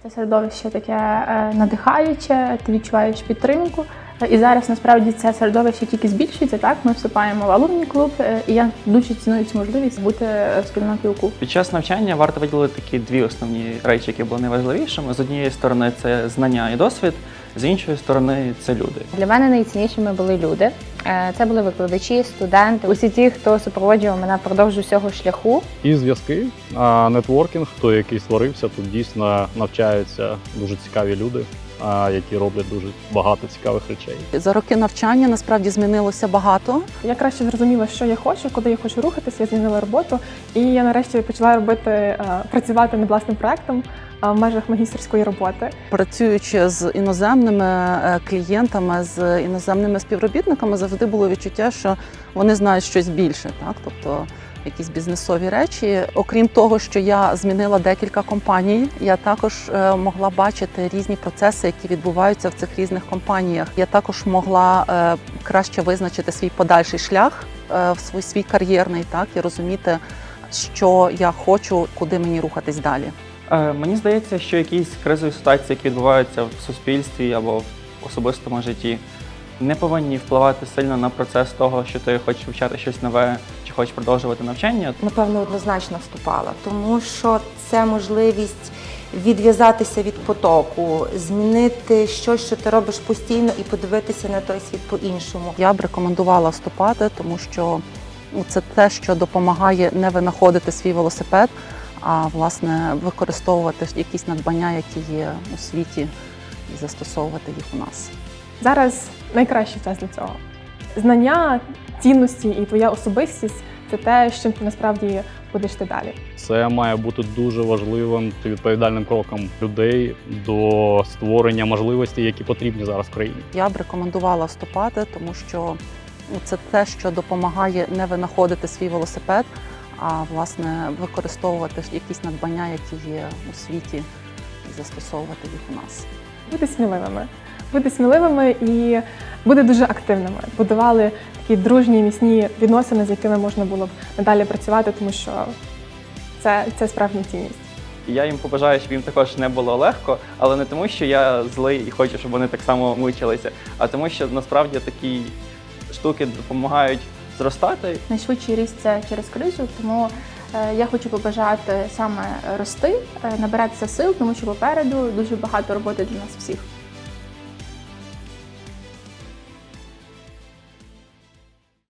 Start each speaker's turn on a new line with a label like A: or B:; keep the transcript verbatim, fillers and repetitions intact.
A: Це середовище таке е, надихаюче, ти відчуваєш підтримку. І зараз насправді це середовище тільки збільшується. Так, ми вступаємо в алумні клуб, е, і я дуже ціную цю можливість бути спільнотою УКУ.
B: Під час навчання варто виділити такі дві основні речі, які були найважливішими. З однієї сторони це знання і досвід, з іншої сторони це люди.
C: Для мене найціннішими були люди. Це були викладачі, студенти, усі ті, хто супроводжував мене впродовж усього шляху.
D: І зв'язки, а нетворкінг, той, який створився, тут дійсно навчаються дуже цікаві люди, які роблять дуже багато цікавих речей.
E: За роки навчання насправді змінилося багато.
F: Я краще зрозуміла, що я хочу, куди я хочу рухатися, я змінила роботу. І я нарешті почала робити, працювати над власним проєктом в межах магістерської роботи.
E: Працюючи з іноземними клієнтами, з іноземними співробітниками, завжди було відчуття, що вони знають щось більше, так? Тобто якісь бізнесові речі. Окрім того, що я змінила декілька компаній, я також могла бачити різні процеси, які відбуваються в цих різних компаніях. Я також могла краще визначити свій подальший шлях, в свій, свій кар'єрний, так, і розуміти, що я хочу, куди мені рухатись далі.
B: Е, мені здається, що якісь кризові ситуації, які відбуваються в суспільстві або в особистому житті, не повинні впливати сильно на процес того, що ти хочеш вивчати щось нове чи хочеш продовжувати навчання.
G: Напевно, однозначно вступала, тому що це можливість відв'язатися від потоку, змінити щось, що ти робиш постійно, і подивитися на той світ по-іншому.
E: Я б рекомендувала вступати, тому що це те, що допомагає не винаходити свій велосипед, а власне використовувати якісь надбання, які є у світі, і застосовувати їх у нас.
F: Зараз найкращий час для цього. Знання, цінності і твоя особистість – це те, з чим ти насправді будеш йти далі.
D: Це має бути дуже важливим та відповідальним кроком людей до створення можливостей, які потрібні зараз в країні.
E: Я б рекомендувала вступати, тому що це те, що допомагає не винаходити свій велосипед, а власне використовувати якісь надбання, які є у світі, і застосовувати їх у нас.
F: Бути сміливими. Бути сміливими і бути дуже активними. Будували такі дружні, міцні відносини, з якими можна було б надалі працювати, тому що це, це справжня цінність.
B: Я їм побажаю, щоб їм також не було легко, але не тому, що я злий і хочу, щоб вони так само мучилися, а тому, що насправді такі штуки допомагають зростати.
A: Найшвидший ріст – це через кризу, тому е, я хочу побажати саме рости, е, набиратися сил, тому що попереду дуже багато роботи для нас всіх.